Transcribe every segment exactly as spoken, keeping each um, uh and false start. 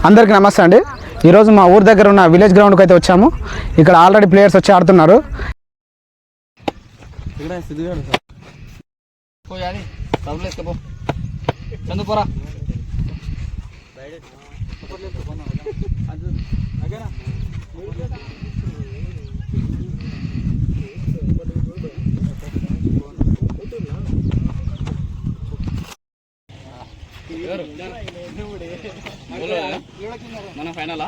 అందరికీ నమస్తే అండి. ఈరోజు మా ఊరి దగ్గర ఉన్న విలేజ్ గ్రౌండ్కి అయితే వచ్చాము. ఇక్కడ ఆల్రెడీ ప్లేయర్స్ వచ్చి ఆడుతున్నారు. మన ఫైనలా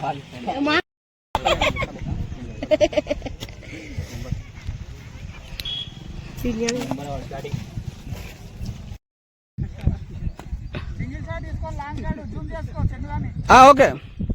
ఓకే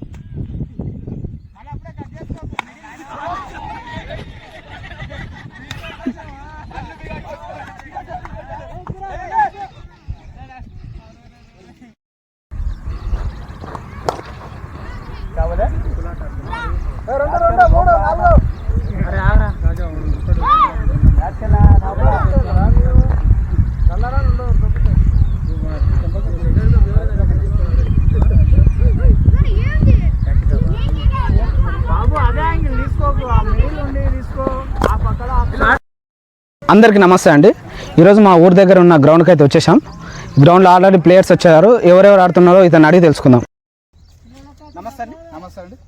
అందరికీ నమస్తే అండి. ఈరోజు మా ఊరి దగ్గర ఉన్న గ్రౌండ్కి అయితే వచ్చేసాం. గ్రౌండ్లో ఆల్రెడీ ప్లేయర్స్ వచ్చారు. ఎవరెవరు ఆడుతున్నారో ఇతను అడిగి తెలుసుకుందాం. నమస్తే అండి. నమస్తే అండి.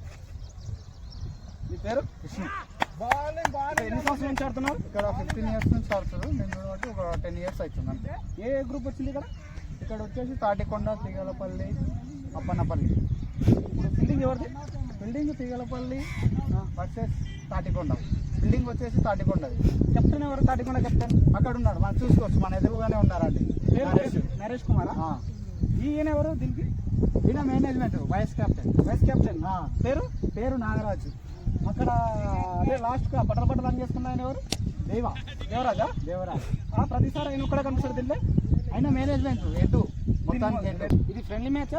మీ పేరు? కృష్ణ. ఎన్ని సంవత్సరాల నుంచి ఆడుతున్నారు? ఇక్కడ ఫిఫ్టీన్ ఇయర్స్ నుంచి ఆడుతున్నారు. నేను బట్టి ఒక టెన్ ఇయర్స్ అవుతుంది అంతే. ఏ గ్రూప్ వచ్చింది ఇక్కడ? ఇక్కడ వచ్చేసి తాటికొండ, తీగలపల్లి, అప్పన్నపల్లి. ఇప్పుడు ఫీల్డింగ్ ఎవరిది? Fielding Teegalapalli versus Tatikonda. Building వచ్చేసి తాటికొండది. కెప్టెన్ ఎవరు? తాటికొండ కెప్టెన్ అక్కడ ఉన్నాడు, మనం చూసుకోవచ్చు. మన ఎదురుగానే ఉన్నారండి. నరేష్ నరేష్ కుమారా? ఈయన ఎవరు దీనికి? ఈయన management vice captain. Vice captain పేరు? పేరు నాగరాజు. అక్కడ అదే లాస్ట్ బట్టల బట్టలు రన్ చేసుకున్న ఆయన ఎవరు? దేవ దేవరాజా దేవరాజ్. ప్రతిసారి ఆయన కూడా కనిపిస్తాడు దీంట్లో. ఆయన మేనేజ్మెంట్ ఎటు మొత్తానికి. ఇది ఫ్రెండ్లీ మ్యాచ్,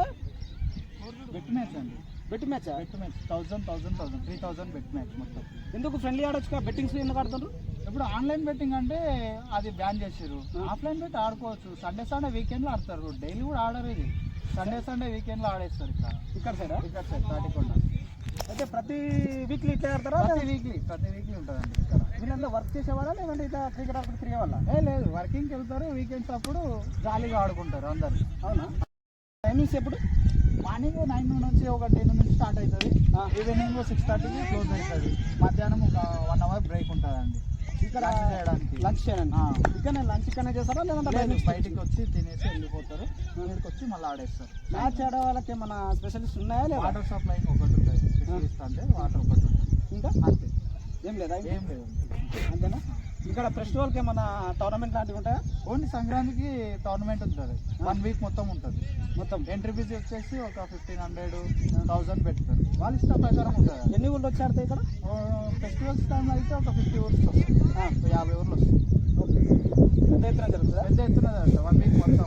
బెట్ మ్యాచ్ అండి. Bet match bet match thousand thousand thousand three thousand bet match మొత్తం. ఎందుకు ఫ్రెండ్లీ ఆడొచ్చు? బెట్టింగ్స్ ఎందుకు ఆడుతుండ్రు? ఇప్పుడు ఆన్లైన్ బెట్టింగ్ అంటే అది బ్యాన్ చేసారు. ఆఫ్లైన్ బెట్ ఆడుకోవచ్చు. సండే సండే వీకెండ్లో ఆడతారు. డైలీ కూడా ఆడరు. ఇది సండే సండే వీకెండ్లో ఆడేస్తారు. ఇక్కడ ఇక్కడ సైడ్ ఇక్కడ సైడ్ తాటికొండ. అయితే ప్రతి వీక్లీ ఇట్లా ఆడతారా? ప్రతి వీక్లీ ప్రతి వీక్లీ ఉంటుందండి. ఇక్కడ వీళ్ళంతా వర్క్ చేసేవాళ్ళ లేదంటే ఇట్లా క్రికెట్ ఆడుకుంటూ తిరిగేవాళ్ళ? ఏ లేదు, వర్కింగ్కి వెళ్తారు. వీకెండ్స్ అప్పుడు జాలీగా ఆడుకుంటారు అందరు. అవునా? టైమింగ్స్ ఎప్పుడు? మార్నింగ్ నైన్ నుంచి ఒక టెన్ నుంచి స్టార్ట్ అవుతుంది. ఈవినింగ్ సిక్స్ థర్టీకి క్లోజ్ అవుతుంది. మధ్యాహ్నం ఒక వన్ అవర్ బ్రేక్ ఉంటుందండి. ఇక్కడ చేయడానికి లంచ్ చేయండి. ఇక్కడ లంచ్ ఇక్కడనే చేస్తారా లేదంటే బయటికి వచ్చి తినేసి వెళ్ళిపోతారు. ఇక్కడికి వచ్చి మళ్ళీ ఆడేస్తారు. మ్యాచ్ ఆడే వాళ్ళకి ఏమైనా స్పెషలిస్ట్ ఉన్నాయా? లేదా? వాటర్ సప్లై ఒకటి ఉంటుంది. అంటే వాటర్ ఒకటి ఉంటుంది. ఇంకా అంతే, ఏం లేదా? ఏం లేదు, అంతేనా? ఇక్కడ ఫెస్టివల్కి ఏమైనా టోర్నమెంట్ లాంటివి ఉంటాయా? ఓన్లీ సంక్రాంతికి టోర్నమెంట్ ఉంటుంది. వన్ వీక్ మొత్తం ఉంటుంది. మొత్తం ఎంట్రీ ఫీజ్ వచ్చేసి ఒక ఫిఫ్టీన్ హండ్రెడ్ థౌసండ్ పెడతారు. వాళ్ళ ఇష్ట ప్రకారం ఉంటుంది. ఎన్ని ఊళ్ళు వచ్చి ఆడతాయి ఇక్కడ? ఫెస్టివల్స్ టైంలో అయితే ఒక ఫిఫ్టీ ఊర్స్ వస్తుంది. యాభై ఊర్లు వస్తుంది. ఓకే, పెద్ద ఎత్తున జరుగుతుంది. పెద్ద ఎత్తున జరుగుతుంది వన్ వీక్ మొత్తం.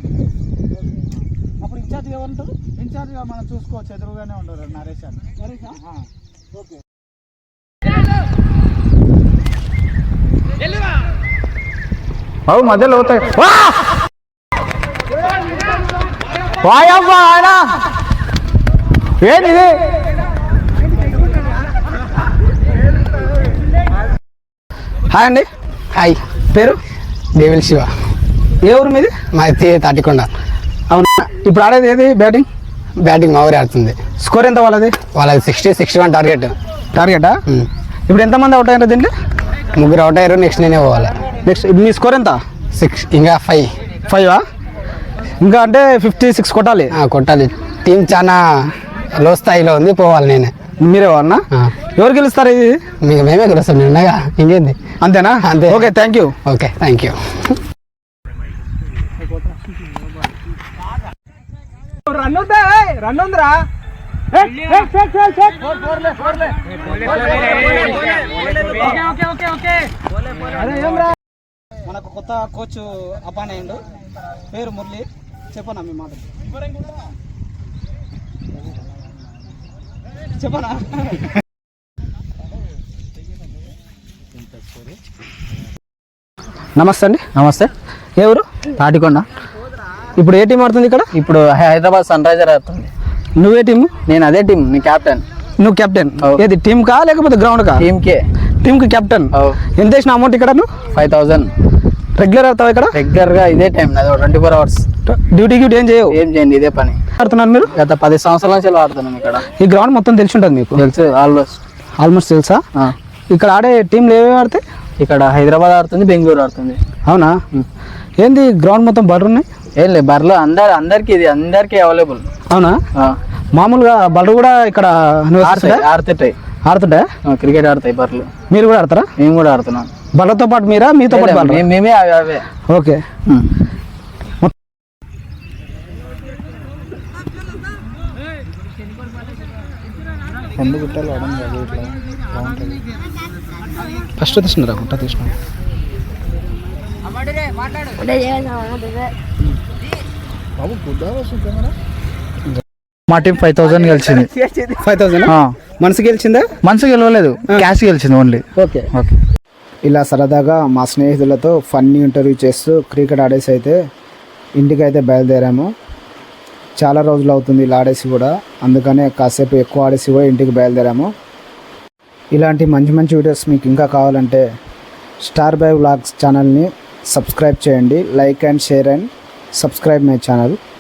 అప్పుడు ఇన్ఛార్జ్ ఎవరు ఉంటారు? ఇన్ఛార్జ్గా మనం చూసుకోవచ్చు. ఎదురుగానే ఉండరు నరేష్ అని. నరేష్ ఓకే. అవు మధ్యలో అవుతాయి. వాయమ్మా ఆయన ఏంది? హాయ్ అండి. హాయ్, పేరు? దేవిల్ శివ. ఏ ఊరు మీది? మాది తాటికొండ. అవునా? ఇప్పుడు ఆడేది ఏది? బ్యాటింగ్ బ్యాటింగ్ మా ఊరే ఆడుతుంది. స్కోర్ ఎంత వాళ్ళది? వాళ్ళది సిక్స్టీ సిక్స్టీ వన్ టార్గెట్. టార్గెటా? ఇప్పుడు ఎంతమంది అవుట్ అయ్యారు దీంట్లో? ముగ్గురు అవుట్ అయ్యారు. నెక్స్ట్ నేనే పోవాలి. నెక్స్ట్ మీ స్కోర్ ఎంత? సిక్స్. ఇంకా ఫైవ్. ఫైవా? ఇంకా అంటే ఫిఫ్టీ సిక్స్ కొట్టాలి. కొట్టాలి. టీం చాలా లో స్థాయిలో ఉంది. పోవాలి నేనే. మీరే అన్నా? ఎవరు గెలుస్తారు ఇది? మీకు మేమే గెలుస్తాం. నేను ఉన్నాగా, ఇంకేంది. అంతేనా? అంతే. Okay, thank you. Okay, thank you. Run ఉందా? రన్ ఉందిరా. మనకు కొత్త కోచ్ అపాయింట్ అయ్యిండు. పేరు మురళి. చెప్పనా మీ మాట? చెప్పనా? నమస్తే అండి. నమస్తే. ఎవరు? తాటికొండ. ఇప్పుడు ఏ టీం ఆడుతుంది ఇక్కడ? ఇప్పుడు హైదరాబాద్ సన్ రైజర్ ఆడుతుంది. నువ్వే టీమ్? నేను అదే టీం, నీ క్యాప్టెన్. నువ్వు కెప్టెన్. అవు. ఏది టీమ్ కా లేకపోతే గ్రౌండ్ కా? టీంకే. టీమ్కి కెప్టెన్. అవు. ఎంత వేసిన అమౌంట్ ఇక్కడ నువ్వు? ఫైవ్ థౌసండ్ రెగ్యులర్ అవుతావు ఇక్కడ? రెగ్యులర్గా ఇదే టైం నాది, twenty four hours. Duty duty ఏం చేయవు? ఏం చేయండి, ఇదే పని ఆడుతున్నారు మీరు? గత పది సంవత్సరాల నుంచి ఆడుతున్నాం ఇక్కడ. ఈ గ్రౌండ్ మొత్తం తెలిసి ఉంటుంది మీకు? తెలుసు, ఆల్మోస్ట్. ఆల్మోస్ట్ తెలుసా? ఇక్కడ ఆడే టీంలు ఏమేమి ఆడితే? ఇక్కడ హైదరాబాద్ ఆడుతుంది, బెంగళూరు ఆడుతుంది. అవునా? ఏంది గ్రౌండ్ మొత్తం బర్రెలు ఉన్నాయి? ఏం లేదు, బర్రెలు అందరు అందరికి ఇది అందరికి అవైలబుల్. అవునా? మామూలుగా బర్రెలు కూడా ఇక్కడ ఆడుతుంటాయి. ఆడుతుంటా? క్రికెట్ ఆడతాయి బర్రెలు. మీరు కూడా ఆడతారా? మేము కూడా ఆడుతున్నాం. బర్రెలతో పాటు మీరా? మీతో పాటు బర్రెలు? మేము- మేమే అవి అవే. ఓకే. ఫస్ట్ తీసినారా? గుట్ట తీసిన మా టీం ఫైవ్ థౌసండ్ గెలిచింది. ఫైవ్ థౌసండ్ మనసు గెలిచిందా? మనసు గెలవలేదు, క్యాష్ గెలిచింది ఓన్లీ. Okay okay. ఇలా సరదాగా మా స్నేహితులతో ఫన్నీ ఇంటర్వ్యూ చేస్తూ క్రికెట్ ఆడేసి అయితే ఇంటికి అయితే బయలుదేరాము. చాలా రోజులు అవుతుంది ఇలా ఆడేసి కూడా, అందుకనే కాసేపు ఎక్కువ ఆడేసి కూడా ఇంటికి బయలుదేరాము. ఇలాంటి మంచి మంచి వీడియోస్ మీకు ఇంకా కావాలంటే స్టార్ బై వ్లాగ్స్ ఛానల్ని సబ్స్క్రైబ్ చేయండి. Like and share and subscribe my channel.